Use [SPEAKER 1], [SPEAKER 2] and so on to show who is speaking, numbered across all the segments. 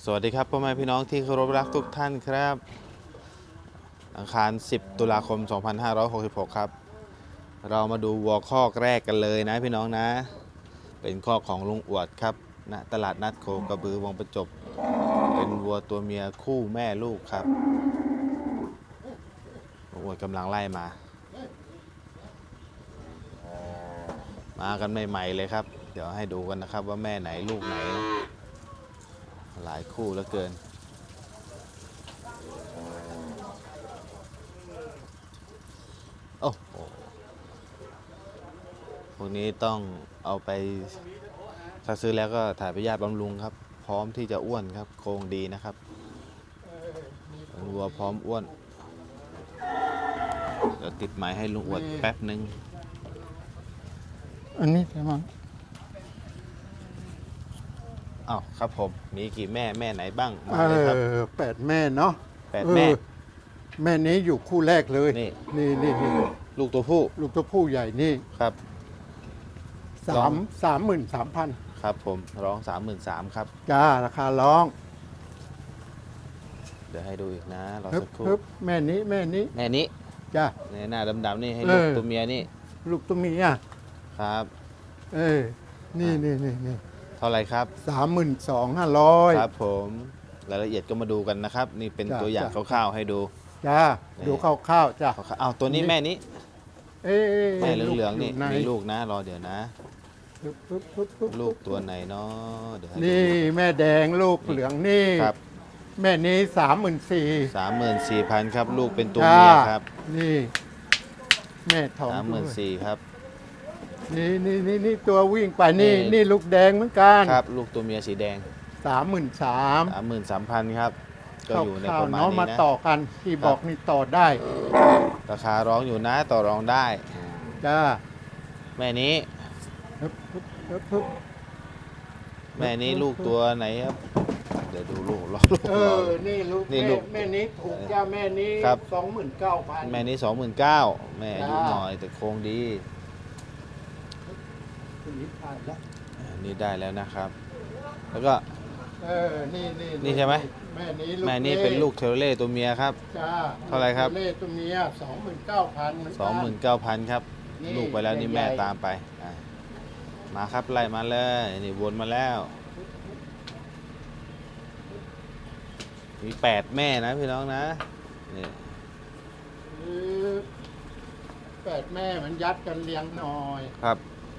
[SPEAKER 1] สวัสดีครับพ่อแม่พี่น้องที่เคารพรักทุกท่านครับอังคาร 10 ตุลาคม 2566 ครับเรามาดูวัวคอกแรกกันเลยนะพี่น้องนะเป็นคอกของลุงอวดครับณตลาดนัดโคกระบือวังประจบเป็นวัวตัวเมียคู่แม่ลูกครับลุงอวดกำลังไล่มากันใหม่ๆเลยครับเดี๋ยวให้ดูกันนะครับว่าแม่ไหนลูกไหนหลายคู่เหลือเกินโอ้โหพวกนี้ต้องเอาไปถ้าซื้อแล้วก็ถ่ายพยาธิบำรุงครับพร้อมที่จะอ้วนครับโครงดีนะครับเป็นวัวพร้อมอ้วนเดี๋ยวติดไม้ให้ลุงอวดแป๊บนึง
[SPEAKER 2] อันนี้ใช่ไหม
[SPEAKER 1] อ้าวครับผมมีกี่แม่ไหนบ้างมาเลยครับ
[SPEAKER 2] 8 แม่เนาะ
[SPEAKER 1] 8 แม่
[SPEAKER 2] แม่นี้อยู่คู่แรกเลย
[SPEAKER 1] นี่
[SPEAKER 2] นี่
[SPEAKER 1] ลูกตัวผู้
[SPEAKER 2] ลูกตัวผู้ใหญ่นี่
[SPEAKER 1] ครับ
[SPEAKER 2] 33,000
[SPEAKER 1] ครับผมร้อง 33,000ครับ
[SPEAKER 2] จ้าราคาร้อง
[SPEAKER 1] เดี๋ยวให้ดูอีกนะรอสักครู่
[SPEAKER 2] แม่นี้
[SPEAKER 1] แม่นี้
[SPEAKER 2] จ้า
[SPEAKER 1] ในหน้าดำๆนี่ให้ลูกตัวเมียนี่
[SPEAKER 2] ลูกตัวเมีย
[SPEAKER 1] ครับ
[SPEAKER 2] นี่
[SPEAKER 1] เท่าไหร่ครับ
[SPEAKER 2] 32,500
[SPEAKER 1] ครับผมรายละเอียดก็มาดูกันนะครับนี่เป็นตัวอย่างคร่าวๆให้ดู
[SPEAKER 2] จ้าดูคร่าวๆจ้า
[SPEAKER 1] เอาตัวนี้แม่นี้แม่เหลืองๆนี่มีลูกนะรอเดี๋ยวนะลูกตัวไหนเนาะเดี๋ยว
[SPEAKER 2] นี่แม่แดงลูกเหลืองนี่
[SPEAKER 1] ครับ
[SPEAKER 2] แม่นี้
[SPEAKER 1] 34,000ครับลูกเป็นตัวเมียครับ
[SPEAKER 2] นี่แม่ท้อง
[SPEAKER 1] 34,000ครับ
[SPEAKER 2] นี่ตัววิ่งไปนี่ลูกแดงเหมือนกัน
[SPEAKER 1] ครับลูกตัวเมียสีแดง33,000ครับก็อยู่ในประมาณนี้นะ
[SPEAKER 2] มาต่อกันที่บอกนี่ต่อได้
[SPEAKER 1] ราคาร้องอยู่นะต่อรองได้
[SPEAKER 2] จ้า
[SPEAKER 1] แม่นี้แม่นี้ลูกตัวไหนครับเดี๋ยวดูลูก
[SPEAKER 2] นี่ลูกแม่นี้ถูกจ้าแม่นี้29,000
[SPEAKER 1] แม่นี้29,000แม่อายุหน่อยแต่โครงดีนี่ได้แล้วนะครับแล้วก็นี่ใช่ไหมแม่นี้เป็นลูกเทเลตัวเมียครับเท่าไรครับ
[SPEAKER 2] เทเลตัวเมีย
[SPEAKER 1] 29,000ครับลูกไปแล้วนี่แม่ตามไปมาครับไล่มาเลยนี่วนมาแล้วมี8 แม่นะพี่น้องนะนี่
[SPEAKER 2] 8 แม่มันยัดกันเลี้ยงหน่อย
[SPEAKER 1] ครับ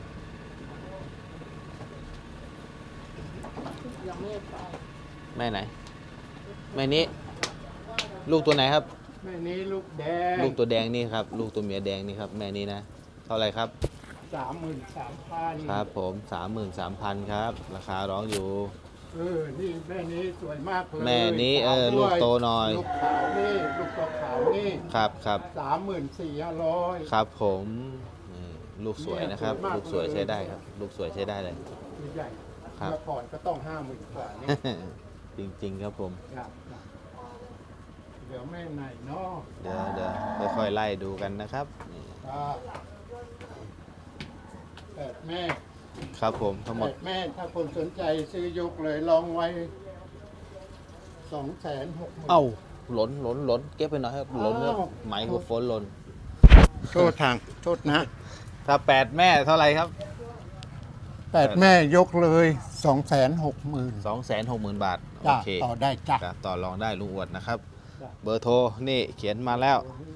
[SPEAKER 1] แม่ไหนแม่นี้ลูกตัวไหนครับ
[SPEAKER 2] แม่นี้ลูกแดง
[SPEAKER 1] ลูกตัวแดงนี่ครับลูกตัวเมียแดงนี่ครับแม่นี้นะเท่าไรครับ
[SPEAKER 2] 33,000
[SPEAKER 1] ครับผม33,000ครับราคาร้องอยู่
[SPEAKER 2] นี่แม่นี้สวยมากเลย
[SPEAKER 1] แม่นี้ลูกโตหน่อย
[SPEAKER 2] ลูกขาวนี่ลูกตัวขาวนี่
[SPEAKER 1] ครับ
[SPEAKER 2] 34,500
[SPEAKER 1] ครับผมลูกสวยนะครับลูกสวยใช้ได้ครับลูกสวยใช้ได้เลย
[SPEAKER 2] ใหญ่
[SPEAKER 1] ครับ
[SPEAKER 2] เมื่อก่อนก็ต้อง50,000 กว่านี่
[SPEAKER 1] จริงๆครับผม
[SPEAKER 2] เดี๋ยวแม่ไหนเนาะ
[SPEAKER 1] เดี๋ยวค่อยๆไล่ดูกันนะครับ
[SPEAKER 2] 8 แม่
[SPEAKER 1] ครับผมทั้งหมด
[SPEAKER 2] 8 แม่ถ้าคนสนใจซื้อยกเลยลองไว้260,000
[SPEAKER 1] เอ้าหล่นเก็บไปหน่อยครับหล่นครับไมโครโฟนหล่น
[SPEAKER 2] โทษนะ
[SPEAKER 1] ถ้า8 แม่เท่าไหร่ครับ
[SPEAKER 2] 8 แม่ยกเลย260,000
[SPEAKER 1] 260,000 บาทโอเค
[SPEAKER 2] ต่อได้จ้ะ
[SPEAKER 1] ต่อรองได้ลุงอวดนะครับเบอร์โทรนี่เขียนมาแล้ว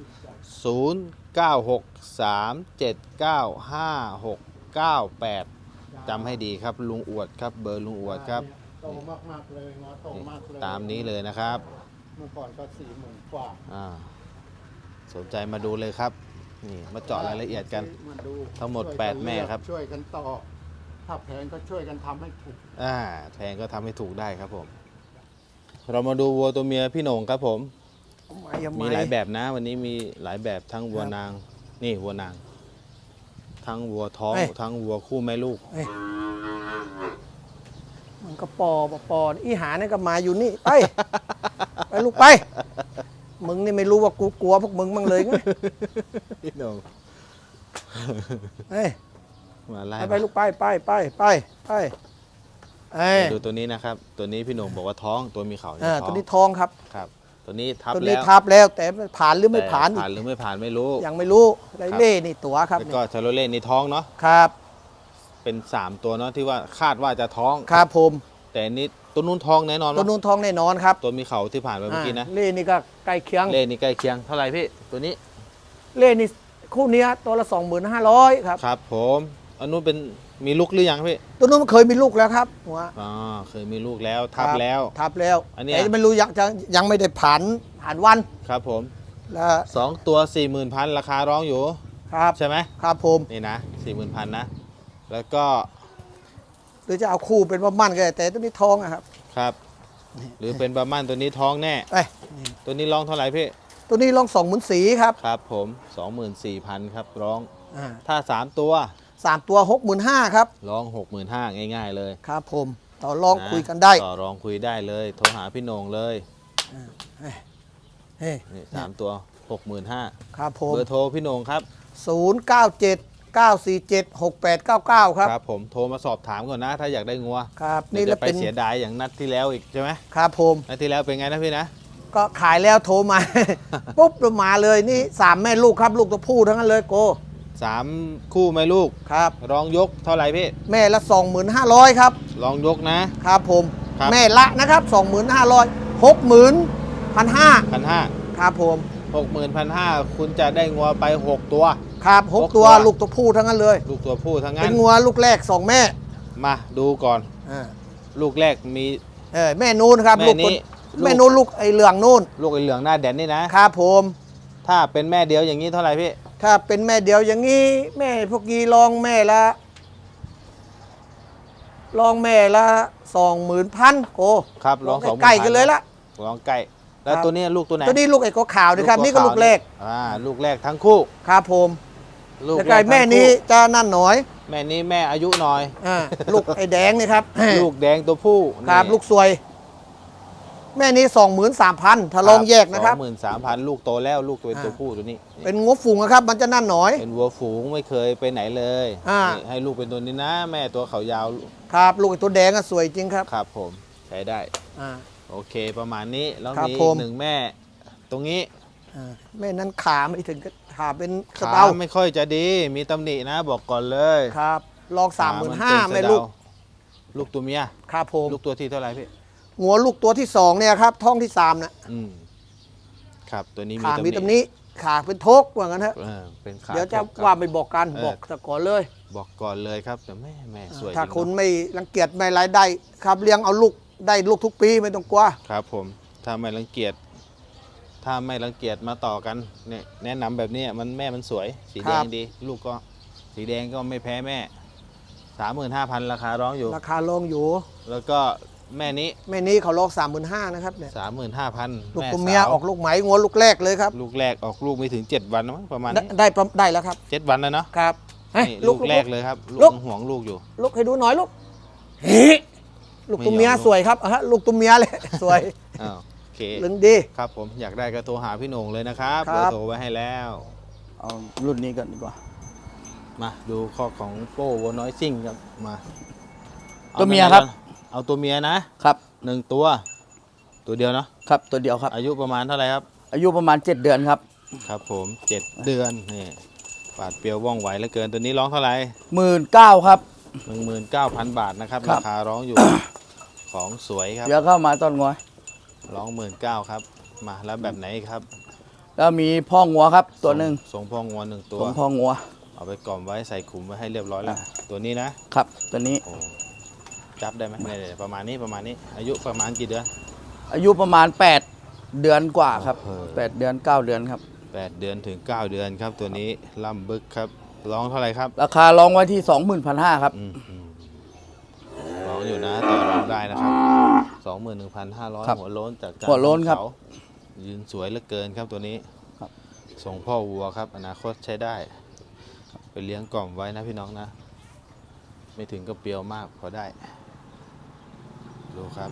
[SPEAKER 1] 0963795698จำให้ดีครับลุงอวดครับเบอร์ลุงอวดครับ
[SPEAKER 2] โตมากเลยงอโตมากเลย
[SPEAKER 1] ตามนี้เลยนะครับ
[SPEAKER 2] เมื่อก่อนก็40,000 กว่า
[SPEAKER 1] สนใจมาดูเลยครับนี่มาเจาะรายละเอียดกันทั้งหมด8 แม่ครับ
[SPEAKER 2] ช่วยกันต่อถ้าแพงก็ช่วยกันทำให้ถูก
[SPEAKER 1] แพงก็ทำให้ถูกได้ครับผมเรามาดูวัวตัวเมียพี่โหน่งครับผมมีหลายแบบนะวันนี้มีหลายแบบทั้งวัวนางนี่วัวนางทั้งวัวท้องทั้งวัวคู่แม่ลูก
[SPEAKER 3] มันก็ปออีหาเนี่ยก็มาอยู่นี่ไปลูกไปมึงนี่ไม่รู้ว่ากูกลัวพวกมึงบ้างเลยไง
[SPEAKER 1] พี่โหน่ง
[SPEAKER 3] มาไล่ไปลูกไปเอ้ย
[SPEAKER 1] ดูตัวนี้นะครับ ตัวนี้พี่โหน่งบอกว่าท้องตัวมีเขาเนี่ยท้
[SPEAKER 3] ตั
[SPEAKER 1] อ
[SPEAKER 3] ว
[SPEAKER 1] ง
[SPEAKER 3] นี้ทองครับ
[SPEAKER 1] ครับ ตัวนี้ทับ
[SPEAKER 3] ตัว
[SPEAKER 1] แล้
[SPEAKER 3] นี้
[SPEAKER 1] ว
[SPEAKER 3] ทับแล้วแต่ผ่านหรือไม่ผ่าน
[SPEAKER 1] แต่ผ่านหรือไม่ผ่านไม่รู้
[SPEAKER 3] ยังไม่รู้ไรเล่นี่ตัวครับ
[SPEAKER 1] แล้วก็ชาโลเล่นี่ท้องเนาะ
[SPEAKER 3] ครับ
[SPEAKER 1] เป็น 3 ตัวเนาะที่ว่าคาดว่าจะท้อง
[SPEAKER 3] ครับผม
[SPEAKER 1] แต่อันนี้ตัวนู้นท้องแน่นอน
[SPEAKER 3] ตัว
[SPEAKER 1] วะ
[SPEAKER 3] นู้นทองแน่นอนครับ
[SPEAKER 1] ตัวมีเขาที่ผ่านไปเมื่อกี้นะ
[SPEAKER 3] เล่นี่ก็ใกล้เคียง
[SPEAKER 1] เล่นี่ใกล้เคียงเท่าไหร่พี่ตัวนี้
[SPEAKER 3] เล่นี่คู่เนี้ยตัวละ 25,000ครับ
[SPEAKER 1] ครับผมอันนู้นเป็นมีลูกหรือยังพี่
[SPEAKER 3] ตัวนู้นมันเคยมีลูกแล้วครับหัว
[SPEAKER 1] อ๋อเคยมีลูกแล้วทับแล้ว
[SPEAKER 3] ทับแล้ว
[SPEAKER 1] อันเนี้ย
[SPEAKER 3] แต่ไม่รู้ยังไม่ได้ผ่านวัน
[SPEAKER 1] ครับผม
[SPEAKER 3] แล้ว
[SPEAKER 1] 2 ตัว 40,000ราคาร้องอยู่
[SPEAKER 3] ครับ
[SPEAKER 1] ใช่ไหม
[SPEAKER 3] ครับผม
[SPEAKER 1] นี่นะ 40,000นะแล้วก็
[SPEAKER 3] หรือจะเอาคู่เป็นว่ามั่นก็ได้แต่ตัวนี้ทองอะครับ
[SPEAKER 1] ครับ หรือเป็นบาร์มันตัวนี้ท้องแน่
[SPEAKER 3] เอ้ย
[SPEAKER 1] ตัวนี้ร้องเท่าไหร่พี่
[SPEAKER 3] ตัวนี้ลอง20,000ครับ
[SPEAKER 1] ครับผม 24,000ครับร้อง
[SPEAKER 3] อ่า
[SPEAKER 1] ถ้า 3 ตัว
[SPEAKER 3] 3 ตัว 65,000ครับ
[SPEAKER 1] ร้อง 65,000ง่ายๆเลย
[SPEAKER 3] ครับผมต่อรอง
[SPEAKER 1] ะ
[SPEAKER 3] คุยกันได้
[SPEAKER 1] ต่อรองคุยได้เลยโทรหาพี่โหน่งเลย
[SPEAKER 3] เฮ้ย
[SPEAKER 1] นี่3ตัว 65,000
[SPEAKER 3] ครับผม
[SPEAKER 1] เบอร์โทรพี่โหน่งครับ
[SPEAKER 3] 0979476899 ครับ
[SPEAKER 1] ครับผมโทรมาสอบถามก่อนนะ ถ้าอยากได้งัว
[SPEAKER 3] ครับ
[SPEAKER 1] นี่
[SPEAKER 3] นี่แห
[SPEAKER 1] จะ
[SPEAKER 3] ละ
[SPEAKER 1] ไป
[SPEAKER 3] เป็น
[SPEAKER 1] เสียดายอย่างนัดที่แล้วอีกใช่ไหม
[SPEAKER 3] ครับผม
[SPEAKER 1] นัดที่แล้วเป็นไงนะพี่นะ
[SPEAKER 3] ก็ขายแล้วโทรมา ปุ๊บเรามาเลยนี่3แม่ลูกครับ ลูกตัวผู้ทั้งนั้นเลยโก
[SPEAKER 1] 3 คู่ไหมลูก
[SPEAKER 3] ครับ
[SPEAKER 1] ร้องยกเท่าไหร่พี่
[SPEAKER 3] แม่ละ 25,000ครับ
[SPEAKER 1] ร้องยกนะ
[SPEAKER 3] ครับผม
[SPEAKER 1] ครับ
[SPEAKER 3] แม่ละนะครับ 25,000 60,000
[SPEAKER 1] 1,500
[SPEAKER 3] ครับผม
[SPEAKER 1] 61,500คุณจะได้งัวไป 6 ตัว
[SPEAKER 3] ครับ
[SPEAKER 1] หก
[SPEAKER 3] 6 ตัว
[SPEAKER 1] ตัว
[SPEAKER 3] ลูกตัวผู้ทั้งนั้นเลย
[SPEAKER 1] ลูกตัวผู้ทั้ง
[SPEAKER 3] เป็
[SPEAKER 1] นั้น น
[SPEAKER 3] งัวลูกแรก 2 แม่
[SPEAKER 1] มาดูก่อน
[SPEAKER 3] อ่า
[SPEAKER 1] ลูกแรกมี
[SPEAKER 3] แม่นูนครับ
[SPEAKER 1] แม่
[SPEAKER 3] ลูก
[SPEAKER 1] นี้
[SPEAKER 3] ตัวแม่นูนลูกไอ้เหลืองนูน
[SPEAKER 1] ลูกไอ้เหลืองหน้าแดนนี่นะ
[SPEAKER 3] ครับผม
[SPEAKER 1] ถ้าเป็นแม่เดียวอย่างนี้เท่าไหร่พี่
[SPEAKER 3] ถ้าเป็นแม่เดียวอย่างนี้แม่พวกนี้ลองแม่ละ20,000โก
[SPEAKER 1] ครับร้อง2,000
[SPEAKER 3] ใกล้ๆกันเลยละ
[SPEAKER 1] ร้องใกล้แล้ว
[SPEAKER 3] ครับ
[SPEAKER 1] ตัวนี้ลูกตัวไหน
[SPEAKER 3] ตัวนี้ลูกไอ้ก็ขาวด้วยครับนี่ก็ลูกแรก
[SPEAKER 1] ลูกแรกทั้งคู่
[SPEAKER 3] ครับผม
[SPEAKER 1] ลูก
[SPEAKER 3] แล้ว
[SPEAKER 1] แร
[SPEAKER 3] ก็
[SPEAKER 1] ก
[SPEAKER 3] ไอ้แม่
[SPEAKER 1] ทั้ง
[SPEAKER 3] นี้
[SPEAKER 1] คู่
[SPEAKER 3] จะนั่นหน่อย
[SPEAKER 1] แม่นี้แม่อายุหน่อย
[SPEAKER 3] ลูกไอ้แดงนี่ครับ
[SPEAKER 1] ลูกแดงตัวผู้
[SPEAKER 3] ครับ
[SPEAKER 1] นี่
[SPEAKER 3] ลูกสวย แม่นี้23,000ถ้าลองแยกนะครับ
[SPEAKER 1] 23,000ลูกโตแล้วลูกตัว
[SPEAKER 3] อ่า
[SPEAKER 1] ตัวผู้ตัวนี้
[SPEAKER 3] เป็นงบฝูงนะครับ มันจะนั่นหน่อย
[SPEAKER 1] เป็นวัวฝูงไม่เคยไปไหนเลย
[SPEAKER 3] อ่า
[SPEAKER 1] นี่ให้ลูกเป็นตัวนี้นะ แม่ตัวเขายาว
[SPEAKER 3] ครับ ลูกไอ้ตัวแดงอะสวยจริงครับ
[SPEAKER 1] ครับผมใช้ได้
[SPEAKER 3] อ่า
[SPEAKER 1] โอเคประมาณนี้แล้ว
[SPEAKER 3] ครับ
[SPEAKER 1] มี
[SPEAKER 3] ผม
[SPEAKER 1] หนึ่งแม่ ตรงนี้
[SPEAKER 3] แม่นั้นขาไม่ถึงก็ขาเป็นสะ
[SPEAKER 1] ขา
[SPEAKER 3] เดา
[SPEAKER 1] ไม่ค่อยจะดีมีตำหนินะบอกก่อนเลย
[SPEAKER 3] ครับลอง
[SPEAKER 1] ขามันเป็น
[SPEAKER 3] 35,000แม่ลูก
[SPEAKER 1] สะเดาลูกตัวเมีย
[SPEAKER 3] ครับผม
[SPEAKER 1] ลูกตัวที่เท่าไหร่พี่
[SPEAKER 3] หัวลูกตัวที่2เนี่ยครับท้องที่3นะ
[SPEAKER 1] อืมครับตัวนี้
[SPEAKER 3] ขามี
[SPEAKER 1] มี
[SPEAKER 3] ตำหนี้ขาเป็นทกว่างั้นเถอะ
[SPEAKER 1] เป็นขา
[SPEAKER 3] เดี๋ยวจะ
[SPEAKER 1] ครับ
[SPEAKER 3] ว่าไปบอกกัน
[SPEAKER 1] เออ
[SPEAKER 3] บอกตะก่อนเลย
[SPEAKER 1] บอกก่อนเลยครับแต่แม่สวย
[SPEAKER 3] ถ้า
[SPEAKER 1] จริง
[SPEAKER 3] คุณ
[SPEAKER 1] เนอะ
[SPEAKER 3] ไม่รังเกียจไม่รายได้ครับเลี้ยงเอาลูกได้ลูกทุกปีไม่ต้องกลัว
[SPEAKER 1] ครับผมถ้าไม่รังเกียจมาต่อกันเนี่ยแนะนำแบบนี้แม่มันสวย สีแดงดี ลูกก็สีแดงก็ไม่แพ้แม่ 35,000ราคาร้องอยู่
[SPEAKER 3] ราคาลองอยู่
[SPEAKER 1] แล้วก็แม่นี้
[SPEAKER 3] แม่นี้เขาลอง35,000นะครับเนี่ย
[SPEAKER 1] 35,000
[SPEAKER 3] ลูก
[SPEAKER 1] แม่
[SPEAKER 3] ตัวเมีย
[SPEAKER 1] สาว
[SPEAKER 3] ออกลูกไหมงัวลูกแรกเลยครับ
[SPEAKER 1] ลูกแรกออกลูกไม่ถึง 7 วันมั้งประมาณ
[SPEAKER 3] ได้
[SPEAKER 1] นี้
[SPEAKER 3] ได้แล้วครับ
[SPEAKER 1] 7 วันแล้วเนาะ
[SPEAKER 3] ครับเฮ้ย
[SPEAKER 1] นี่ลูกแรกเลยครับ
[SPEAKER 3] ลู
[SPEAKER 1] ลู
[SPEAKER 3] ก
[SPEAKER 1] กห่วงลูกอยู่
[SPEAKER 3] ลูกให้ดูหน่อยลูกเฮ้ยลูกตัวเมีย
[SPEAKER 1] ไม่ยอม
[SPEAKER 3] สวยครับลูกตัวเมียเลย สวย
[SPEAKER 1] อ้าวโอเค
[SPEAKER 3] ลึงดี
[SPEAKER 1] ครับผมอยากได้ก็โทรหาพี่โหน่งเลยนะครับ
[SPEAKER 3] ค
[SPEAKER 1] เบ
[SPEAKER 3] รั
[SPEAKER 1] อบ ร์โทรไว้ให้แล้ว
[SPEAKER 4] เอารุ่นนี้ก่อนดีกว่า
[SPEAKER 1] มาดูข้อของโป้วัวน้อยซิ่งครับมาอา
[SPEAKER 4] ตัวเมียครับ
[SPEAKER 1] เอาตัวเมียนะครับ 1 ตัวเดียวเนาะ
[SPEAKER 4] ครับตัวเดียวครับ
[SPEAKER 1] อายุประมาณเท่าไหร่ครับ
[SPEAKER 4] อายุประมาณ 7 เดือนครับ
[SPEAKER 1] ครับผม 7 เดือนนี่ปาดเปรียวว่องไวเหลือเกินตัวนี้ร้องเท่าไหร่
[SPEAKER 4] 19,000ครับ
[SPEAKER 1] 19,000 บาทนะครับ
[SPEAKER 4] ครั
[SPEAKER 1] รา
[SPEAKER 4] บ
[SPEAKER 1] คาร้องอยู่ ของสวยครับ
[SPEAKER 4] เดี๋ยวเข้ามาต้นงัว
[SPEAKER 1] ร้อง 19,000ครับมาแล้วแบบไหนครับ
[SPEAKER 4] แล้วมีพ่องัวครับตัวหนึ่ง
[SPEAKER 1] ส่งพ่องวน1 ตัว
[SPEAKER 4] ของพ่องัว
[SPEAKER 1] เอาไปกล่อมไว้ใส่ขุมไว้ให้เรียบร้อยแล้วตัวนี้นะครับ
[SPEAKER 4] ตัวนี้
[SPEAKER 1] โอ้จับได้ไหมเนี่ยประมาณนี้อายุประมาณกี่เดือน
[SPEAKER 4] อายุประมาณ 8 เดือนกว่าครับ
[SPEAKER 1] เออ
[SPEAKER 4] 8 เดือน 9 เดือนครับ
[SPEAKER 1] 8 เดือนถึง 9 เดือนครับตัวนี้ล่ำบึกครับร้องเท่าไหร่ครับ
[SPEAKER 4] ราคาลองไว้ที่ 21,500ครับ
[SPEAKER 1] ร้องอยู่นะต่อรองได้นะครับ 21,500
[SPEAKER 4] ครับ
[SPEAKER 1] หัวโล้นจากการ
[SPEAKER 4] หัวโล้นครับ
[SPEAKER 1] เขายืนสวยเหลือเกินครับตัวนี้
[SPEAKER 4] ครับ
[SPEAKER 1] ส่งพ่อวัวครับอนาคตใช้ได้ไปเลี้ยงกล่อมไว้นะพี่น้องนะ ไม่ถึงกับเปรียวมากพอได้ ดูครับ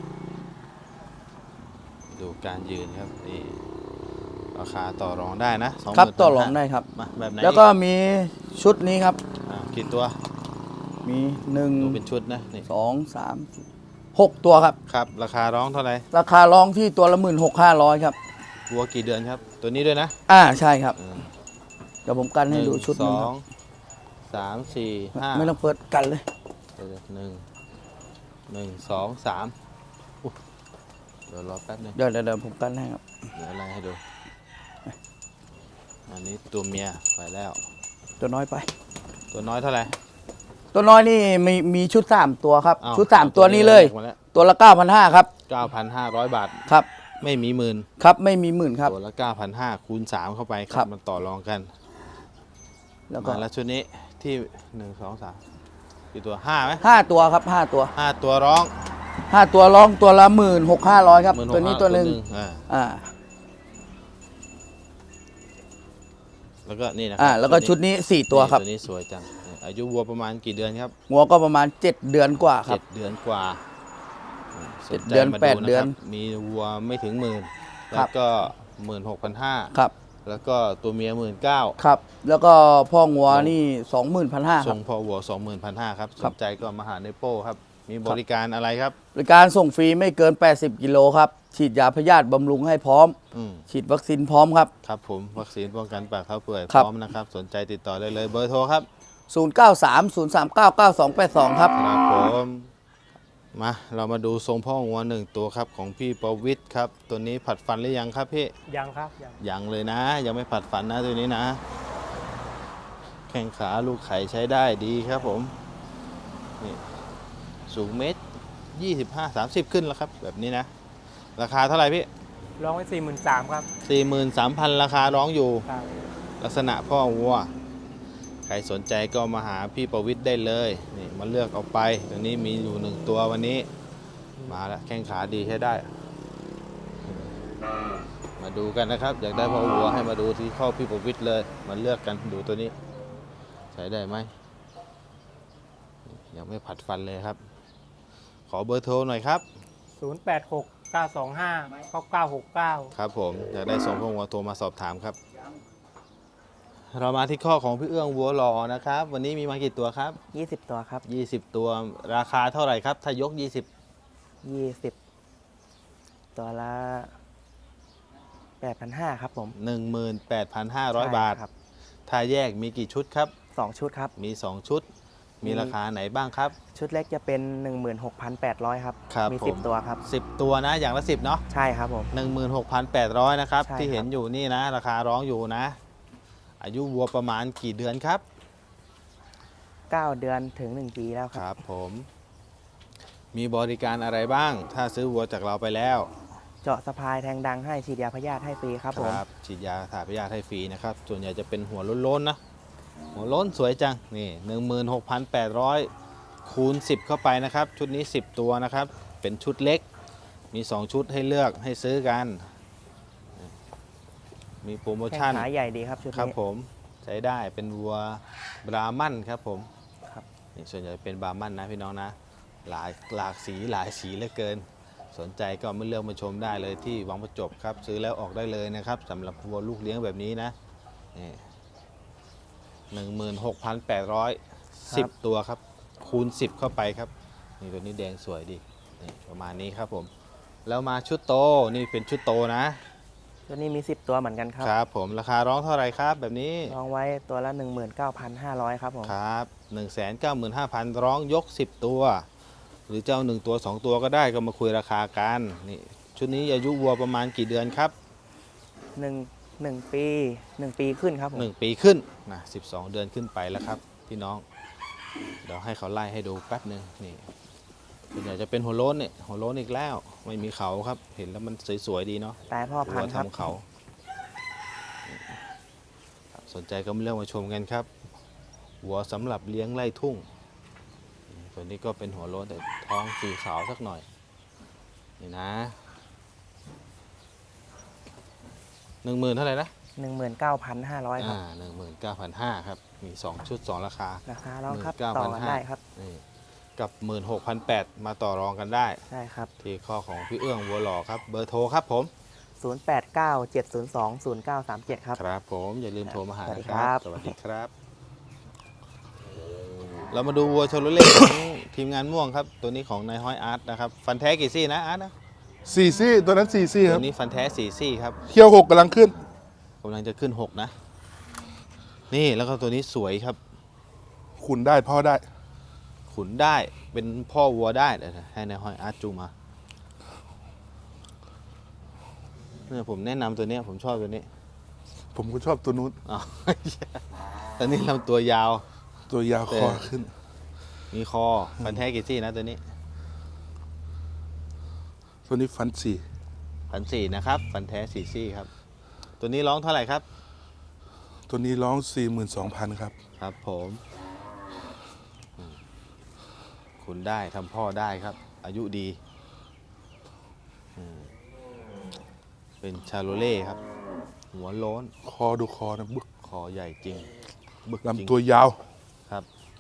[SPEAKER 1] ดูการยืนครับนี่ราคาต่อรองได้นะครับ
[SPEAKER 4] ต่อรองได้ครับ
[SPEAKER 1] มาแบบไหน
[SPEAKER 4] แล้วก็มีชุดนี้ครับ
[SPEAKER 1] กี่ตัว
[SPEAKER 4] มีหนึ่ง
[SPEAKER 1] ดูเป็นชุดนะนี่
[SPEAKER 4] สองสาม6 ตัวครับ
[SPEAKER 1] ครับ ราคาร้องเท่าไหร่
[SPEAKER 4] ราคาร้องที่ตัวละ16,500ครับ
[SPEAKER 1] วัวกี่เดือนครับ ตัวนี้ด้วยนะ
[SPEAKER 4] ใช่ครับ
[SPEAKER 1] อืม
[SPEAKER 4] เดี๋ยวผมกันให้ดูชุด
[SPEAKER 1] ส
[SPEAKER 4] นึง
[SPEAKER 1] อ
[SPEAKER 4] ครั
[SPEAKER 1] ง
[SPEAKER 4] บ
[SPEAKER 1] สามสี่ห้า
[SPEAKER 4] ไม่ต้องเปิดกันเลย
[SPEAKER 1] เดี๋ยวหนึ่งสองสามอุ๊ยเดี๋ยวรอแป๊บนึง
[SPEAKER 4] เดี๋ยวผมกันให้ครับ
[SPEAKER 1] เดี๋ยวอะไรให้ดู อันนี้ตัวเมียไปแล้ว
[SPEAKER 4] ตัวน้อยไป
[SPEAKER 1] ตัวน้อยเท่าไหร่
[SPEAKER 4] ตัวน้อยนี่มีชุด 3 ตัวครับ
[SPEAKER 1] อ้าว
[SPEAKER 4] ชุด 3 ตัวนี้เลย
[SPEAKER 1] มาแล้ว
[SPEAKER 4] ตัวละ 9,500ครับ
[SPEAKER 1] 9,500 บาท
[SPEAKER 4] ครับ
[SPEAKER 1] ไม่มีหมื่น
[SPEAKER 4] ครับไม่มีหมื่นครับ
[SPEAKER 1] ตัวละ 9,500 คูณ 3 เข้าไปค
[SPEAKER 4] ครั
[SPEAKER 1] รับบ มันต่อรองกัน
[SPEAKER 4] แล้วก็
[SPEAKER 1] มาแล้วชุดนี้ที่ 1 2 3กี่ตัว5ไหม
[SPEAKER 4] 5 ตัวครับ5 ตัว
[SPEAKER 1] 5 ตัวร้อง
[SPEAKER 4] 5 ตัวร้องตัวละ16,500ครับ
[SPEAKER 1] 16,500
[SPEAKER 4] ตัวนี้ตัวหนึ่ง
[SPEAKER 1] อ่า
[SPEAKER 4] อ่า
[SPEAKER 1] แล้วก็นี่นะครั
[SPEAKER 4] แล้วก็ชุดนี้ 4 ตัวครับ
[SPEAKER 1] ตัวนี้สวยจังอายุวัวประมาณกี่เดือนครับ
[SPEAKER 4] หัวก็ประมาณ 7 เดือนกว่าครับ
[SPEAKER 1] 7 เดือนกว่าสใจ
[SPEAKER 4] 7 เดือน
[SPEAKER 1] มา
[SPEAKER 4] 8 เดือน
[SPEAKER 1] ะครับมีวัวไม่ถึงหมื่น
[SPEAKER 4] ครั
[SPEAKER 1] แล้
[SPEAKER 4] บ
[SPEAKER 1] วก็ 16,500
[SPEAKER 4] ครับ
[SPEAKER 1] แล้วก็ตัวเมีย 19,000
[SPEAKER 4] ครับ แล้วก็พ่องัวนี่ 21,500ค
[SPEAKER 1] ส่
[SPEAKER 4] รับ
[SPEAKER 1] งพอวัว 21,500 ครับ
[SPEAKER 4] ค
[SPEAKER 1] ส
[SPEAKER 4] รับ
[SPEAKER 1] นใจก็มาหาในโป้ครับ มีบริการอะไรครับ
[SPEAKER 4] บริการส่งฟรีไม่เกิน 80 กิโลครับ ฉีดยาพยาธิบำรุงให้พร้อม
[SPEAKER 1] อืม
[SPEAKER 4] ฉีดวัคซีนพร้อมครับ
[SPEAKER 1] ครับผมวัคซีนป้องกันปากเข้าเปื่อย
[SPEAKER 4] ครับ
[SPEAKER 1] พร้อมนะครับ สนใจติดต่อได้เลยเบอร์โทรครับ
[SPEAKER 4] 0930399282 ครับ
[SPEAKER 1] ครับผมมาเรามาดูทรงพ่องัวหนึ่งตัวครับของพี่ประวิทย์ครับ ตัวนี้ผัดฟันหรือยังครับพี่
[SPEAKER 3] ยังครับยัง
[SPEAKER 1] ยังเลยนะ ยังไม่ผัดฟันนะตัวนี้นะ แข้งขาลูกไข่ใช้ได้ดีครับผมนี่สูงเมตร25-30 ขึ้นแล้วครับ แบบนี้นะ ราคาเท่าไหร่พี่
[SPEAKER 3] ร้องไว้43,000ครับ
[SPEAKER 1] 43,000 ราคาร้องอยู่
[SPEAKER 3] ครับ
[SPEAKER 1] ลักษณะพ่อวัว ใครสนใจก็มาหาพี่ประวิทย์ได้เลยนี่มาเลือกเอาไปตัวนี้มีอยู่1ตัววันนี้ มาแล้วแข้งขาดีใช้ได้ มาดูกันนะครับ อยากได้พ่อวัวให้มาดูที่ข้อพี่ประวิทย์เลยมาเลือกกันดูตัวนี้ ใช้ได้ไหมยังไม่ผัดฟันเลยครับ ขอเบอร์โทรหน่อยครับ
[SPEAKER 3] 0869259969
[SPEAKER 1] ครับผมอยากได้ส่งพ่อวัวโทรมาสอบถามครับ เรามาที่ข้อของพี่เอื้องวัวหล่อนะครับ วันนี้มีมากี่ตัวครับ
[SPEAKER 5] 20 ตัวครับ
[SPEAKER 1] 20 ตัวราคาเท่าไหร่ครับ ถ้ายก 20
[SPEAKER 5] 20 ตัวละ 8,500 ครับผม
[SPEAKER 1] 18,500 บาท
[SPEAKER 5] ใช่ครับ
[SPEAKER 1] ถ้าแยกมีกี่ชุดครับ
[SPEAKER 5] 2 ชุดครับ
[SPEAKER 1] มี 2 ชุด มีราคาไหนบ้างครับ
[SPEAKER 5] ชุดเล็กจะเป็น 16,800 ครับ
[SPEAKER 1] ครับ
[SPEAKER 5] มี
[SPEAKER 1] ผม
[SPEAKER 5] 10 ตัวครับ
[SPEAKER 1] 10 ตัวนะอย่างละ 10 เนาะ
[SPEAKER 5] ใช่ครับผม
[SPEAKER 1] 16,800 นะครับ
[SPEAKER 5] ใช่
[SPEAKER 1] ที่เห็น
[SPEAKER 5] ครับ
[SPEAKER 1] อยู่นี่นะ ราคาร้องอยู่นะ อายุวัวประมาณกี่เดือนครับ
[SPEAKER 5] 9 เดือนถึง 1 ปีแล้วค
[SPEAKER 1] ครับ รับผม มีบริการอะไรบ้าง ถ้าซื้อวัวจากเราไปแล้ว
[SPEAKER 5] เจาะสะพายแทงดังให้ฉีดยาพยาธิให้ฟรีครับผม
[SPEAKER 1] ฉีดยาถ่ายพยาธิให้ฟรีนะครับ ส่วนใหญ่จะเป็นหัวโล้นๆนะ หัวโล้นสวยจัง นี่ 16,800 คูณ 10 เข้าไปนะครับ ชุดนี้ 10 ตัวนะครับ เป็นชุดเล็ก มี 2 ชุดให้เลือกให้ซื้อกัน มีโปรโม
[SPEAKER 5] แข้ง
[SPEAKER 1] ชั่น
[SPEAKER 5] ขาใหญ่ดีครับชุด
[SPEAKER 1] ครับ
[SPEAKER 5] นี้
[SPEAKER 1] ผมใช้ได้เป็นวัวบราหมันครับผม
[SPEAKER 5] ครับ
[SPEAKER 1] นี่ส่วนใหญ่เป็นบราหมันนะพี่น้องนะ หลากสีหลายสีเหลือเกิน สนใจก็มาเลือกมาชมได้เลยที่วังประจบครับ ซื้อแล้วออกได้เลยนะครับสำหรับวัวลูกเลี้ยงแบบนี้นะนี่16,810 ตัวครับ คูณ 10 เข้าไปครับ นี่ตัวนี้แดงสวยดีนี่ประมาณนี้ครับผม แล้วมาชุดโตนี่เป็นชุดโตนะ
[SPEAKER 5] ชุดนี้มี 10 ตัวเหมือนกันครับ
[SPEAKER 1] ครับผมราคาร้องเท่าไหร่ครับแบบนี้
[SPEAKER 5] ลองไว้ตัวละ 19,500 ครับผม
[SPEAKER 1] ครับ 195,000 ร้องยก 10 ตัว หรือเจ้า1ตัว 2 ตัวก็ได้ก็มาคุยราคากันนี่ชุดนี้อายุวัวประมาณกี่เดือนครับ
[SPEAKER 5] 1 ปี 1 ปีขึ้นครับผม
[SPEAKER 1] 1 ปีขึ้นนะ12 เดือนขึ้นไปแล้วครับพี่น้อง เดี๋ยวให้เขาไล่ให้ดูแป๊บหนึ่งนี่ส่วนใหญ่จะเป็นหัวโล้นเนี่ยหัวโล้นอีกแล้วไม่มีเขาครับ เห็นแล้วมันสวยๆดีเนาะ
[SPEAKER 5] ตายพ่อพัน
[SPEAKER 1] หัว
[SPEAKER 5] ธุ์ครับ
[SPEAKER 1] ทำเขาสนใจก็มาเลือกมาชมกันครับหัวสำหรับเลี้ยงไล่ทุ่งตัวนี้ก็เป็นหัวโล้นแต่ท้องสีขาวสักหน่อยนี่นะ10,000เท่าไหร่นะ
[SPEAKER 5] 19,500 ครับ
[SPEAKER 1] 19,500ครับมี2ชุด2ราคา
[SPEAKER 5] ราคาเราครับ
[SPEAKER 1] 19,500
[SPEAKER 5] ต่อกันได้ครับ
[SPEAKER 1] นี่กับ 16,800 มาต่อรองกันได้
[SPEAKER 5] ใช่ครับ
[SPEAKER 1] ที่ข้อของพี่เอื้องวัวหล่อครับเบอร์โทรครับผม
[SPEAKER 5] 0897020937 ครับ
[SPEAKER 1] ครับผมอย่าลืมโทรมาหา
[SPEAKER 5] สวัสดี
[SPEAKER 1] นะค
[SPEAKER 5] ครั
[SPEAKER 1] รับ
[SPEAKER 5] บ
[SPEAKER 1] สวัสดีครับเรามาดูวัวชโลเล่ของทีมงานม่วงครับ ตัวนี้ของนายห้อยอาร์ตนะครับ ฟันแท้กี่ซี่นะอาร์ตนะ
[SPEAKER 6] สี่ซี่ตัวนั้นสี่ซี่ค
[SPEAKER 1] ตั
[SPEAKER 6] รับ
[SPEAKER 1] วนี้ฟันแท้4ซี่ครับ
[SPEAKER 6] เที่ยวหกกำลังขึ้น
[SPEAKER 1] กำลังจะขึ้น6นะ นี่แล้วก็ตัวนี้สวยครับ
[SPEAKER 6] ขุนได้พ่อได้
[SPEAKER 1] ขุนได้เป็นพ่อวัวได้เดี๋ยวให้นายห้อยอาร์ตจูงมาเนี่ยผมแนะนำตัวเนี้ยผมชอบตัวนี้
[SPEAKER 6] ผมก็ชอบตัวนู้น
[SPEAKER 1] อ๋อ ตอนนี้ลำตัวยาว
[SPEAKER 6] ตัวยาวคอขึ้น
[SPEAKER 1] มีคอฟันแท้กี่ซี่นะตัวนี้
[SPEAKER 6] ตัวนี้ฟันสี่
[SPEAKER 1] 1,400นะครับฟันแท้4ซี่ครับ ตัวนี้ร้องเท่าไหร่ครับ
[SPEAKER 6] ตัวนี้ร้อง 42,000 ครับ
[SPEAKER 1] ครับผมคุณได้ทำพ่อได้ครับ อายุดีเป็นชาโลเล่ครับ หัวโล้น
[SPEAKER 6] คอดูคอนะบึก
[SPEAKER 1] คอใหญ่จริงบึกจริง
[SPEAKER 6] ลำตัวยาว
[SPEAKER 1] ครับ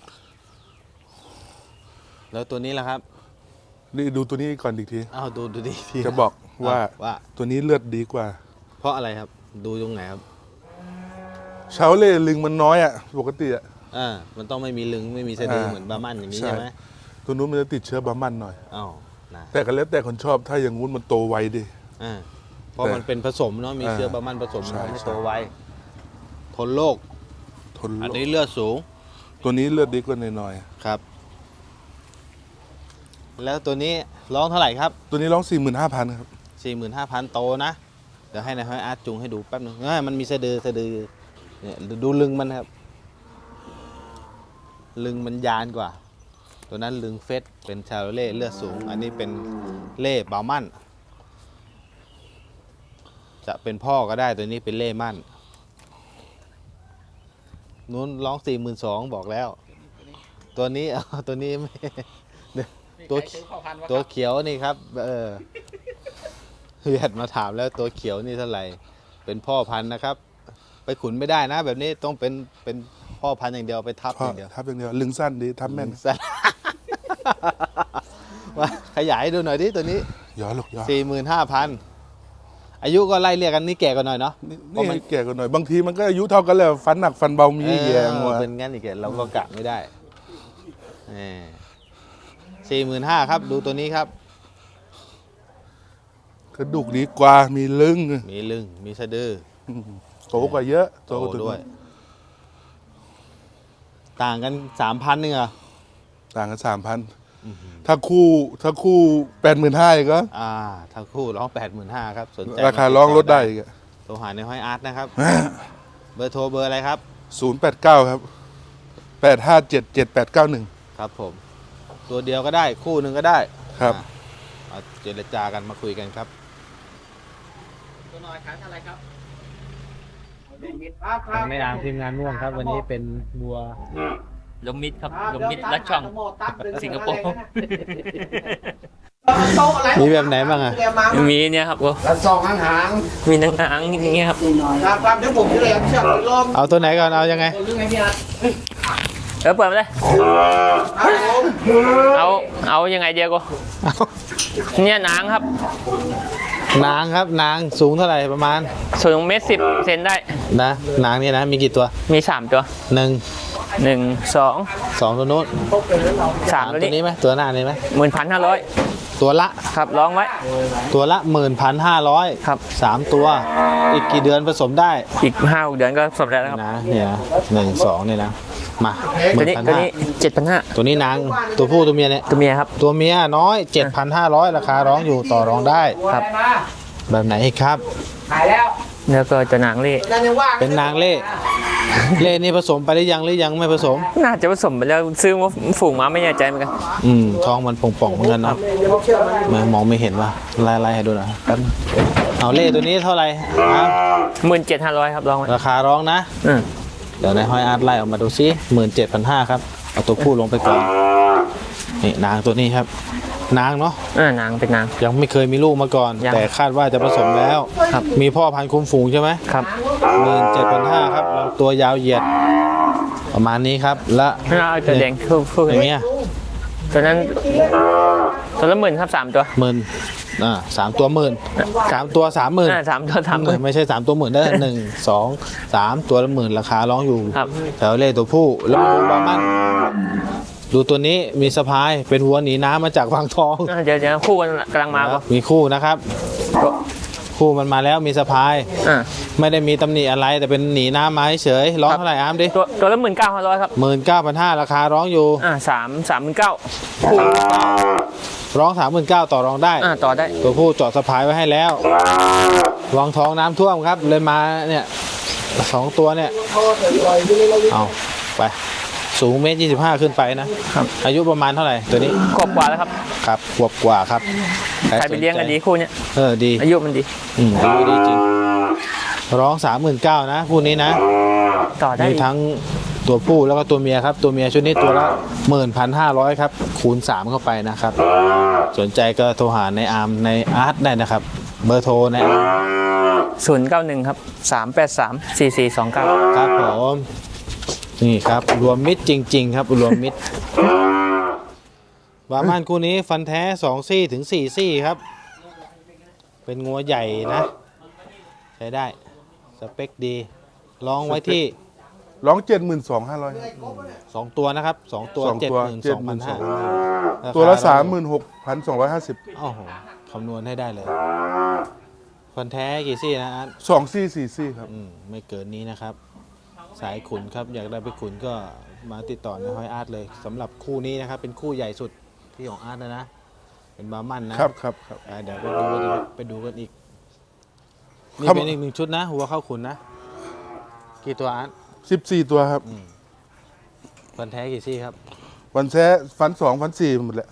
[SPEAKER 1] แล้วตัวนี้ล่ะครับ
[SPEAKER 6] นี่ดูตัวนี้ก่อนอีกที
[SPEAKER 1] อ้าวดูดีที
[SPEAKER 6] จะบอกว่า
[SPEAKER 1] ว่า
[SPEAKER 6] ตัวนี้เลือดดีกว่า
[SPEAKER 1] เพราะอะไรครับ ดูตรงไหนครับ
[SPEAKER 6] ชาวเล่ลึงมันน้อยอ่ะปกติอ่ะ
[SPEAKER 1] มันต้องไม่มีลึงไม่มีสะดือ
[SPEAKER 6] อ่า
[SPEAKER 1] เหมือนบาร์มันอย่างนี้
[SPEAKER 6] ใช่
[SPEAKER 1] ใช่ไหม
[SPEAKER 6] ตัวนู้นมันจะติดเชื้อบามันหน่อย
[SPEAKER 1] อ้าวนะ
[SPEAKER 6] แต่ก็แล้วแต่คนชอบถ้าอย่างงู้นมันโตไวดิ
[SPEAKER 1] เพราะมันเป็นผสมเนาะมีเชื้อบาร์มันผสม
[SPEAKER 6] ใช่
[SPEAKER 1] ทำให้
[SPEAKER 6] ใช่
[SPEAKER 1] โตไวทนโรค
[SPEAKER 6] ทน
[SPEAKER 1] อัน
[SPEAKER 6] โร
[SPEAKER 1] นี้
[SPEAKER 6] ค
[SPEAKER 1] เลือดสูง
[SPEAKER 6] ตัวนี้เลือดดีกว่าหน่อย
[SPEAKER 1] ครับ แล้วตัวนี้ร้องเท่าไหร่ครับ
[SPEAKER 6] ๆตัวนี้ร้อง 45,000 ครับ
[SPEAKER 1] 45,000 โตนะ เดี๋ยวให้นายห้อยอาร์ตจุงให้ดูแป๊บนึงมันมีสะดือเนี่ยดูลึงมันครับ ลึงมันยานกว่า ตัวนั้นลึงเฟสเป็นชาโลเล่เลือดสูง อันนี้เป็นเล่บามั่น จะเป็นพ่อก็ได้ตัวนี้เป็นเล่มั่นนู้นร้อง42,000บอกแล้ว ตัวนี้ ตัวนี้ไม่ ตัวเขียวนี่ครับเวียดมาถามแล้วตัวเขียวนี่เท่าไหร่ เป็นพ่อพันธุ์นะครับ ไปขุนไม่ได้นะ แบบนี้ต้องเป็นพ่อพันธุ์อย่างเดียวไปทับ
[SPEAKER 6] พ่อ
[SPEAKER 1] อย่างเดียว
[SPEAKER 6] ทับอย่างเดียวลึงสั้นดีทับแม่น
[SPEAKER 1] สั้น ว่าขยายให้ดูหน่อยดิตัวนี้
[SPEAKER 6] ย้อนลูกย้อน
[SPEAKER 1] 45,000 อายุก็ไล่เรียกกันนี่แก่กว่าหน่อยเนาะ เพราะมัน
[SPEAKER 6] นี่แก่กว่าหน่อยบางทีมันก็อายุเท่ากันแล้วฟันหนักฟันเบามีแยงว่ะ
[SPEAKER 1] เป็นงั้นอีกเราก็กะไม่ได้45,000ครับ ดูตัวนี้ครับ
[SPEAKER 6] กระดูกดีกว่ามีลึง
[SPEAKER 1] มีลึงมีสะดือ
[SPEAKER 6] โตกว่าเยอะ
[SPEAKER 1] โต
[SPEAKER 6] กว่าตัว
[SPEAKER 1] ด้วย
[SPEAKER 6] นู้น
[SPEAKER 1] ต่างกัน 3,000นึงเหรอ
[SPEAKER 6] ต่างกัน3,000ถ้าคู่85,000อีกก็
[SPEAKER 1] ถ้าคู่ร้อง 85,000ครับ สนใจ
[SPEAKER 6] ราคาร้องลดได้อีกอะ
[SPEAKER 1] โทรหาในห้อยอาร์ตนะครับ เบอร์โทรเบอร์อะไรครับ
[SPEAKER 6] 089 ครับ 8577891
[SPEAKER 1] ครับผม ตัวเดียวก็ได้คู่หนึ่งก็ได้
[SPEAKER 6] ครับ
[SPEAKER 1] เอาเจรจากันมาคุยกันครับ
[SPEAKER 3] ตัวน้อยขายอะไรครับ
[SPEAKER 7] ในนามทีมงานม่วงครับ วันนี้เป็นวัว
[SPEAKER 8] ลมมิดครับลมมิดลัดช่อง สิงคโปร์
[SPEAKER 1] มีแบบไหนบ้างอะ
[SPEAKER 8] มีเนี่ยครับก็
[SPEAKER 3] แล้วซองหาง
[SPEAKER 8] มีหนังๆอย่างเงี้ยครับ
[SPEAKER 3] ครับเดี๋ยวผมจะเลยเชือกลม
[SPEAKER 1] เอาตัวไหนก่อน เอายังไง
[SPEAKER 3] เรื่องไงพี่อาร์ต
[SPEAKER 8] เปิดมาเลย
[SPEAKER 3] ครับผม
[SPEAKER 8] เอายังไงเดียวก็เนี่ยหนังครับ
[SPEAKER 1] นางครับ นางสูงเท่าไหร่ประมาณ
[SPEAKER 8] สูง1.10 เมตรได้
[SPEAKER 1] นะ นางเนี่ยนะ มีกี่ตัว
[SPEAKER 8] มี3ตัว
[SPEAKER 1] 1
[SPEAKER 8] 1 2
[SPEAKER 1] 2 ตัวนู้น
[SPEAKER 8] 3 ตัว
[SPEAKER 1] ตัว
[SPEAKER 8] นี้
[SPEAKER 1] นี้ไหมตัวหน้านี้ไหม
[SPEAKER 8] 11,500
[SPEAKER 1] ตัวละ
[SPEAKER 8] ครับร้องไว้
[SPEAKER 1] ตัวละ 11,500
[SPEAKER 8] ครับ
[SPEAKER 1] 3 ตัว อีกกี่เดือนผสมได้
[SPEAKER 8] อีก5-6 เดือนก็สำเร็จแล้วครับ
[SPEAKER 1] นะเนี่ยนะ1 2เนี่ยนะ มา
[SPEAKER 8] ตัวนี้ 7,500
[SPEAKER 1] ตัวนี้นางตัวผู้ตัวเมียเนี่ย
[SPEAKER 8] ตัวเมียครับ
[SPEAKER 1] ตัวเมียน้อย 7,500 ราคาร้องอยู่ต่อรองได้
[SPEAKER 8] ครับ
[SPEAKER 1] แบบไหนอีกครับ
[SPEAKER 3] ขายแล้ว
[SPEAKER 8] แล้วก็จะหนังเล่
[SPEAKER 3] นั่นยังว่าง
[SPEAKER 1] เป็นนางเล่ เล่นี่ผสมไปหรือยังไม่ผสม
[SPEAKER 8] น่าจะผสมไปแล้วซื้อมาฝูงมาไม่แน่ใจเหมือนกัน
[SPEAKER 1] ท้องมันป่องๆเหมือนกันเนาะมองไม่เห็นว่าไล่ให้ดูหน่อยแป๊บนึงเอาเล่ตัวนี้เท่าไหร่ครับ
[SPEAKER 8] 17,500 ครับร้องไว้
[SPEAKER 1] ราคาร้องนะ
[SPEAKER 8] อืม
[SPEAKER 1] เดี๋ยวในห้อยอาร์ตไล่ออกมาดูซิ17,500ครับ เอาตัวผู้ลงไปก่อน นี่นางตัวนี้ครับ นางเนาะ
[SPEAKER 8] หนังเป็นหนัง
[SPEAKER 1] ยังไม่เคยมีลูกมาก่อน
[SPEAKER 8] ยัง
[SPEAKER 1] แต่คาดว่าจะผสมแล้ว
[SPEAKER 8] ครับ
[SPEAKER 1] มีพ่อพันธุ์คุมฝูงใช่ไหม
[SPEAKER 8] ครับ
[SPEAKER 1] 17,500ครับลำตัวยาวเหยียด ประมาณนี้ครับ และ
[SPEAKER 8] แล้วเอาตัวแดงคู่
[SPEAKER 1] อย่างเงี้ย
[SPEAKER 8] ตัวนั้นตัวละ10,000ครับ3 ตัว
[SPEAKER 1] 3 ตัว 10,000 3 ตัว 30,000
[SPEAKER 8] 3 ตัว30,000
[SPEAKER 1] ไม่ใช่3 ตัวหมื่นได้1 2 3 ตัวละ10,000ราคาร้องอยู่
[SPEAKER 8] ครับ
[SPEAKER 1] แถวเล่ตัวผู้แล้วมาดูบามันดูตัวนี้มีสะพายเป็นวัวหนีน้ำมาจากวังทอง
[SPEAKER 8] เดี๋ยวคู่กันกำลังมาก็
[SPEAKER 1] มีคู่นะครับ คู่มันมาแล้วมีสะพาย
[SPEAKER 8] อ่า
[SPEAKER 1] ไม่ได้มีตำหนิอะไรแต่เป็นหนีน้ำมาเฉยร้องเท่าไหร่อาร์มดิ
[SPEAKER 8] ตัวละ19,500ครับ
[SPEAKER 1] 19,500ราคาร้องอยู่
[SPEAKER 8] 39,000คู่
[SPEAKER 1] ร้อง 39,000ต่อรองได้
[SPEAKER 8] ต่อได้
[SPEAKER 1] ตัวผู้เจาะสะพายไว้ให้แล้ววังทองน้ำท่วมครับเลยมาเนี่ย2ตัวเนี่ยเอาไปสูง1.25 ขึ้นไปนะครับ อายุประมาณเท่าไหร่ตัวนี้
[SPEAKER 8] ขวบกว่าแล้วครับ
[SPEAKER 1] ครับขวบกว่าครับ
[SPEAKER 8] ใครไปเลี้ยงกันดีคู่เนี้ย
[SPEAKER 1] ดี
[SPEAKER 8] อายุมันดี
[SPEAKER 1] อายุดีจริงร้อง 39,000นะคู่นี้นะ
[SPEAKER 8] ต่อได้
[SPEAKER 1] มีทั้งตัวผู้แล้วก็ตัวเมียครับตัวเมียชุดนี้ตัวละ 11,500 ครับคูณ 3 เข้าไปนะครับ สนใจก็โทรหาในอาร์มในอาร์ตได้นะครับ เบอร์โทรในอาร์ม
[SPEAKER 8] 091ครับ3834429
[SPEAKER 1] ครับผมนี่ครับรวมมิตรจริง ๆ ครับรวมมิตรบาร์มันคู่นี้ฟันแท้2ซี่ถึง4ซี่ครับ เป็นงัวใหญ่นะ ใช้ได้สเปคดีลองไว้ที่
[SPEAKER 6] ร้อง 72,500
[SPEAKER 1] 2 ตัวนะครับ 2 ตัว
[SPEAKER 6] สองตัว
[SPEAKER 1] 72,500
[SPEAKER 6] ตัวละ
[SPEAKER 1] ราคา
[SPEAKER 6] 36,250
[SPEAKER 1] โอ้โหคำนวณให้ได้เลยฟันแท้กี่ซี่นะอาร์ต
[SPEAKER 6] 2 ซี่ 4 ซี่ครับ
[SPEAKER 1] ไม่เกินนี้นะครับ สายขุนครับอยากได้ไปขุนก็มาติดต่อในห้อยอาร์ตเลยสำหรับคู่นี้นะครับ เป็นคู่ใหญ่สุดที่ของอาร์ตนะ เป็นบาร์มันนะครับ
[SPEAKER 6] ครับ
[SPEAKER 1] เดี๋ยวไปดูกันอีกนี่
[SPEAKER 6] ครับ
[SPEAKER 1] เป็นอีก1 ชุดนะหัวเข้าขุนนะกี่ตัวอาร์ต
[SPEAKER 6] 14 ตัวครับ
[SPEAKER 1] ฟันแท้กี่ซี่ครับ
[SPEAKER 6] วันแท้ฟัน 2 ฟัน 4 หมดแหละ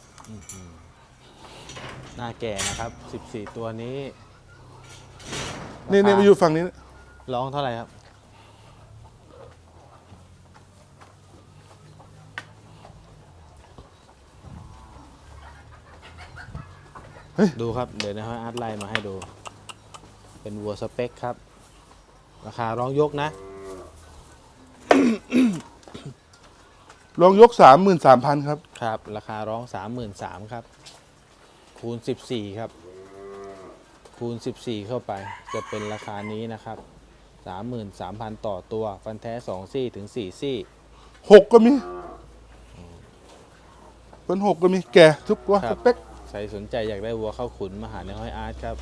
[SPEAKER 1] หน้าแก่นะครับ 14 ตัวนี้
[SPEAKER 6] นี่มาอยู่ฝั่งนี้นะ
[SPEAKER 1] ร้องเท่าไหร่ครับดูครับเดี๋ยวนะฮะอาร์ตไล่มาให้ดู เป็นวัวสเปคครับ ราคาร้องยกนะ
[SPEAKER 6] ลองยก 33,000 ครับ
[SPEAKER 1] ครับ ราคาร้อง 33,000ครับ คูณ 14 ครับ คูณ 14 เข้าไปจะเป็นราคานี้นะครับ 33,000 ต่อตัวฟันแท้2ซี่ถึง4ซี่
[SPEAKER 6] 6 ก็มีเป็น6 ก็มีแก่ทุกตัว
[SPEAKER 1] ครั
[SPEAKER 6] ส
[SPEAKER 1] บ
[SPEAKER 6] เปค
[SPEAKER 1] ใครสนใจอยากได้วัวเข้าขุนมาหาในห้อยอาร์ตครับ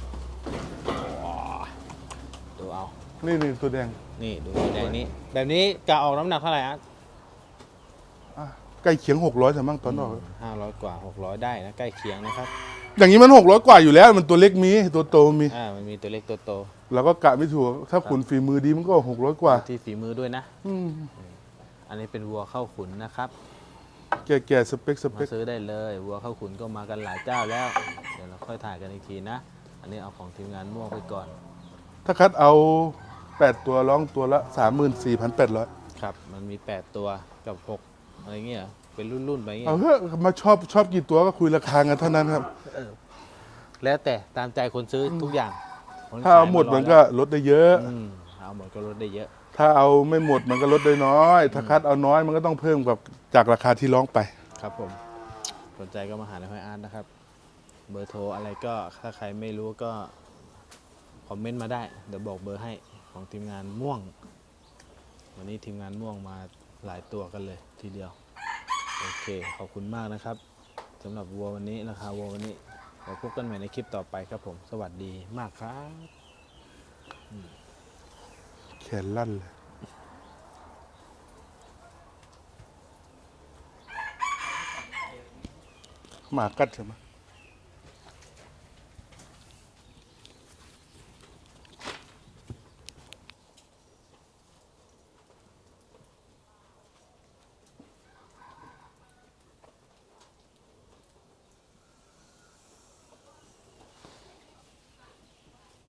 [SPEAKER 1] ดูเอา
[SPEAKER 6] นี่ตัวแดง
[SPEAKER 1] นี่ดูสีแดงนี้ แบบนี้กะออกน้ำหนักเท่าไหร่อาร์ต
[SPEAKER 6] ใกล้เคียง 600แต่มั่งตอนออก
[SPEAKER 1] 500 กว่า 600 ได้นะใกล้เคียงนะครับ
[SPEAKER 6] อย่างนี้มัน 600 กว่าอยู่แล้ว มันตัวเล็กมีตัวโตมี
[SPEAKER 1] มันมีตัวเล็กตัวโต
[SPEAKER 6] เราก็กะไม่ถูก ถ้าขุนฝีมือดีมันก็ 600 กว่า
[SPEAKER 1] ที่ฝีมือด้วยนะ
[SPEAKER 6] อืม
[SPEAKER 1] อันนี้เป็นวัวเข้าขุนนะครับ
[SPEAKER 6] แก่สเปค
[SPEAKER 1] มาซื้อได้เลยวัวเข้าขุนก็มากันหลายเจ้าแล้ว เดี๋ยวเราค่อยถ่ายกันอีกทีนะ อันนี้เอาของทีมงานม่วงไปก่อน
[SPEAKER 6] ถ้าคัดเอา 8 ตัวร้องตัวละ 34,800
[SPEAKER 1] ครับ มันมี 8 ตัวกับ 6 อะไรเงี้ยเหรอเป็นรุ่นๆไปเงี้ย
[SPEAKER 6] เอาเถอะมาชอบกี่ตัวก็คุยราคากันเท่านั้นครับ
[SPEAKER 1] แล้วแต่ตามใจคนซื้อทุกอย่างคน
[SPEAKER 6] ถ้าเอาหมด
[SPEAKER 1] ขย
[SPEAKER 6] มันก็ลดได้เยอะ
[SPEAKER 1] เอาหมดก็ลดได้เยอะ
[SPEAKER 6] ถ้าเอาไม่หมดมันก็ลดได้น้อย ถ้าคัดเอาน้อยมันก็ต้องเพิ่มกับจากราคาที่ร้องไป
[SPEAKER 1] ครับผมสนใจก็มาหาในห้อยอาร์ตนะครับ เบอร์โทรอะไรก็ถ้าใครไม่รู้ก็คอมเมนต์มาได้ เดี๋ยวบอกเบอร์ให้ของทีมงานม่วง วันนี้ทีมงานม่วงมาหลายตัวกันเลยทีเดียวโอเคขอบคุณมากนะครับสำหรับวัววันนี้ราคาวัววันนี้เดี๋ยวพบกันใหม่ในคลิปต่อไปครับผมสวัสดีมากครับ
[SPEAKER 6] แขนลั่นเลย หมากัดใช่ไหม